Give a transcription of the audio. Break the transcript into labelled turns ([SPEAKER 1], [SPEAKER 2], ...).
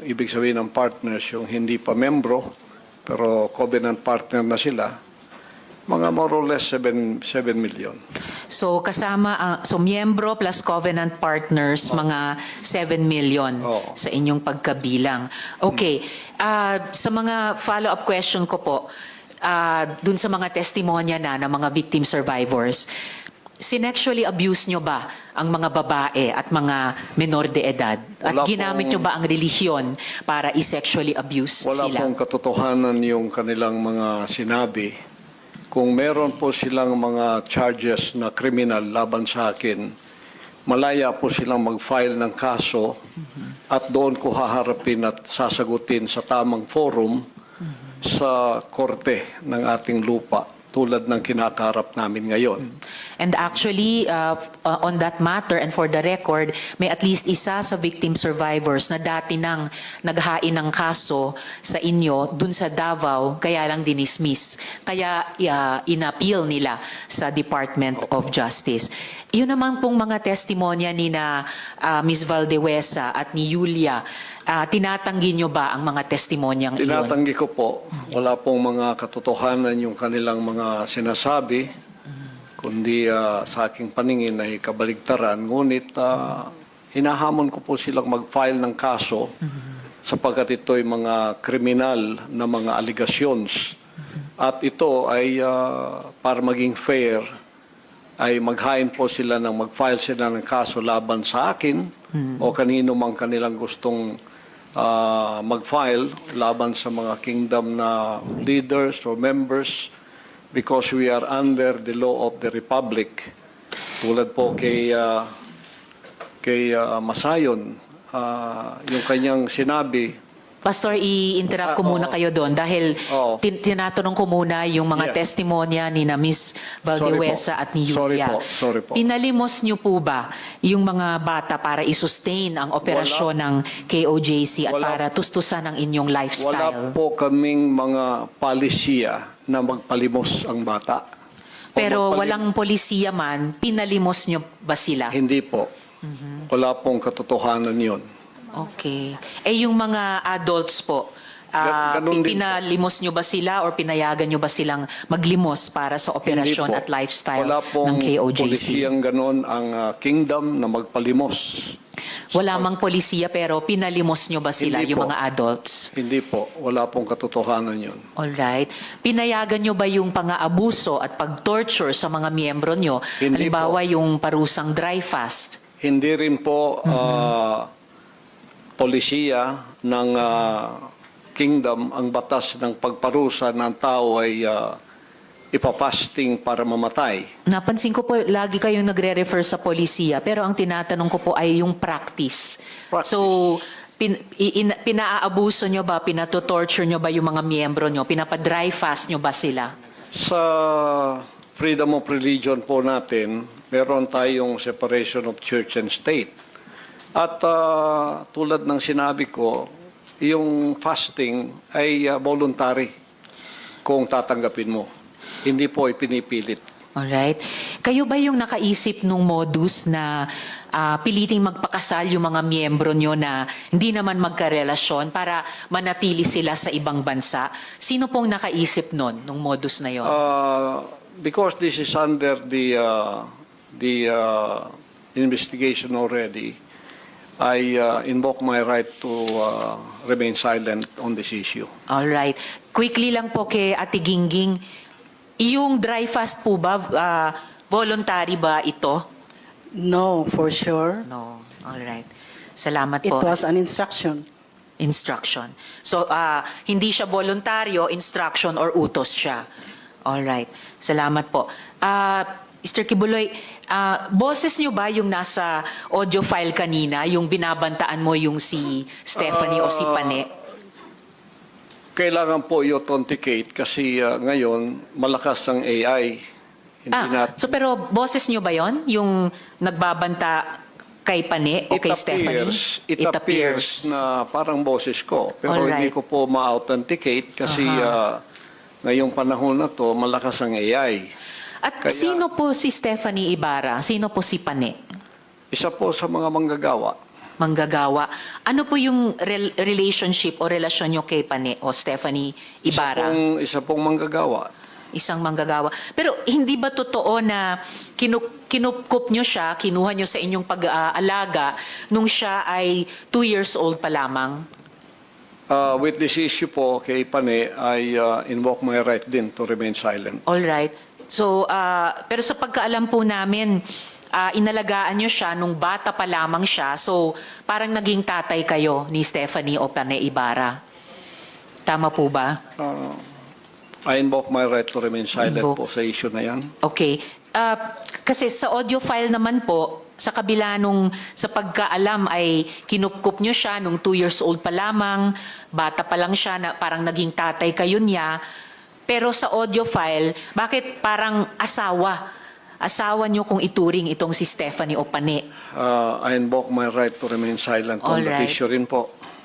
[SPEAKER 1] ibig sabihin ng partners, yung hindi pa membro, pero covenant partner na sila, mga more or less 7 million.
[SPEAKER 2] So kasama, so miyembro plus covenant partners, mga 7 million
[SPEAKER 1] Oo.
[SPEAKER 2] sa inyong pagkabilang. Okay, sa mga follow-up question ko po, dun sa mga testimonya na ng mga victim survivors, sinexually abuse nyo ba ang mga babae at mga menor de edad? At
[SPEAKER 1] Wala
[SPEAKER 2] ginamit nyo ba ang relihiyon para i-sexually abuse
[SPEAKER 1] Wala
[SPEAKER 2] sila?
[SPEAKER 1] pong katotohanan yung kanilang mga sinabi. Kung meron po silang mga charges na criminal laban sa akin, malaya po silang mag-file ng kaso at doon ko haharapin at sasagutin sa tamang forum sa korte ng ating lupa tulad ng kinakaharap namin ngayon.
[SPEAKER 2] And actually, on that matter and for the record, may at least isa sa victim survivors na dati nang naghain ng kaso sa inyo dun sa Davao, kaya lang dinismiss. Kaya inappeal nila sa Department of Justice. Yun naman pong mga testimonya ni na Ms. Valdewesa at ni Yulia, tinatanggi nyo ba ang mga testimonyang iyon?
[SPEAKER 1] Tinatanggi ko po, wala pong mga katotohanan yung kanilang mga sinasabi, kundi sa aking paningin ay kabaligtaran. Ngunit hinahamon ko po silang mag-file ng kaso sapagkat ito'y mga kriminal na mga allegations. At ito ay para maging fair, ay maghain po sila ng mag-file sila ng kaso laban sa akin o kanino mang kanilang gustong mag-file laban sa mga kingdom na leaders or members because we are under the law of the Republic. Tulad po kay Masayon, yung kanyang sinabi.
[SPEAKER 2] Pastor, i-interrupt ko muna kayo doon dahil tinatanong ko muna yung mga testimonya ni na Ms. Valdewesa at ni Yulia.
[SPEAKER 1] Sorry po.
[SPEAKER 2] Pinalimos niyo po ba yung mga bata para i-sustain ang operasyon ng KOJC at para tustusan ang inyong lifestyle?
[SPEAKER 1] Wala po kaming mga palisiya na magpalimos ang bata.
[SPEAKER 2] Pero walang polisiya man, pinalimos niyo ba sila?
[SPEAKER 1] Hindi po. Wala pong katotohanan yun.
[SPEAKER 2] Okay. Eh yung mga adults po,
[SPEAKER 1] Ganun din
[SPEAKER 2] pinalimos nyo ba sila or pinayagan nyo ba silang maglimos para sa operasyon
[SPEAKER 1] Hindi po.
[SPEAKER 2] at lifestyle
[SPEAKER 1] Wala
[SPEAKER 2] ng
[SPEAKER 1] pong
[SPEAKER 2] KOJC?
[SPEAKER 1] polisiyang ganon ang kingdom na magpalimos.
[SPEAKER 2] Wala mang polisiya pero pinalimos nyo ba sila,
[SPEAKER 1] Hindi
[SPEAKER 2] yung
[SPEAKER 1] po.
[SPEAKER 2] mga adults?
[SPEAKER 1] Hindi po. Wala pong katotohanan yun.
[SPEAKER 2] Alright. Pinayagan nyo ba yung pang-aabuso at pag-torture sa mga miyembro nyo?
[SPEAKER 1] Hindi
[SPEAKER 2] Halimbawa yung parusang dry fast?
[SPEAKER 1] Hindi rin po polisiya ng kingdom ang batas ng pagparusa ng tao ay ipapasting para mamatay.
[SPEAKER 2] Napansin ko po, lagi kayong nagre-refer sa polisiya, pero ang tinatanong ko po ay yung practice. So, pinaabuso nyo ba, pinatotorture nyo ba yung mga miyembro nyo? Pinapa-dry fast nyo ba sila?
[SPEAKER 1] Sa freedom of religion po natin, meron tayong separation of church and state. At tulad ng sinabi ko, yung fasting ay voluntary kung tatanggapin mo. Hindi po ipinipilit.
[SPEAKER 2] Alright. Kayo ba yung nakaisip nung modus na piliting magpakasal yung mga miyembro nyo na hindi naman magkarelasyon para manatili sila sa ibang bansa? Sino pong nakaisip nun, nung modus na yon?
[SPEAKER 1] Because this is under the investigation already, I invoke my right to remain silent on this issue.
[SPEAKER 2] Alright. Quickly lang po kay Ate Gingging, yung dry fast po ba, voluntary ba ito?
[SPEAKER 3] No, for sure.
[SPEAKER 2] No. Alright. Salamat
[SPEAKER 3] It
[SPEAKER 2] po.
[SPEAKER 3] was an instruction.
[SPEAKER 2] Instruction. So, hindi siya voluntaryo, instruction or utos siya. Alright. Salamat po. Mr. Kibuloy, boses nyo ba yung nasa audio file kanina, yung binabantaan mo yung si Stephanie o si Pane?
[SPEAKER 1] Kailangan po i-authenticate kasi ngayon malakas ang AI.
[SPEAKER 2] So pero boses nyo ba yon yung nagbabanta kay Pane o kay Stephanie?
[SPEAKER 1] It appears na parang boses ko. Pero
[SPEAKER 2] Alright.
[SPEAKER 1] hindi ko po ma-authenticate kasi ngayong panahon na to malakas ang AI.
[SPEAKER 2] At
[SPEAKER 1] Kaya-
[SPEAKER 2] sino po si Stephanie Ibarra? Sino po si Pane?
[SPEAKER 1] Isa po sa mga manggagawa.
[SPEAKER 2] manggagawa. Ano po yung relationship o relasyon nyo kay Pane o Stephanie Ibarra?
[SPEAKER 1] Isa pong manggagawa.
[SPEAKER 2] Isang manggagawa. Pero hindi ba totoo na kinupkup nyo siya, kinuha nyo sa inyong pag-aalaga nung siya ay 2 years old pa lamang?
[SPEAKER 1] With this issue po kay Pane, I invoke my right din to remain silent.
[SPEAKER 2] All right. So, pero sa pagkaalam po namin, inalagaan nyo siya nung bata pa lamang siya. So, parang naging tatay kayo ni Stephanie o Pane Ibarra. Tama po ba?
[SPEAKER 1] I invoke my right to remain silent
[SPEAKER 2] Invoke.
[SPEAKER 1] po sa issue na yan.
[SPEAKER 2] Okay. Kasi sa audio file naman po, sa kabila nung sa pagkaalam ay kinupkup nyo siya nung 2 years old pa lamang, bata pa lang siya, na parang naging tatay kayo niya. Pero sa audio file, bakit parang asawa? Asawa nyo kung ituring itong si Stephanie o Pane.
[SPEAKER 1] I invoke my right to remain silent on that
[SPEAKER 2] Alright.
[SPEAKER 1] issue rin po.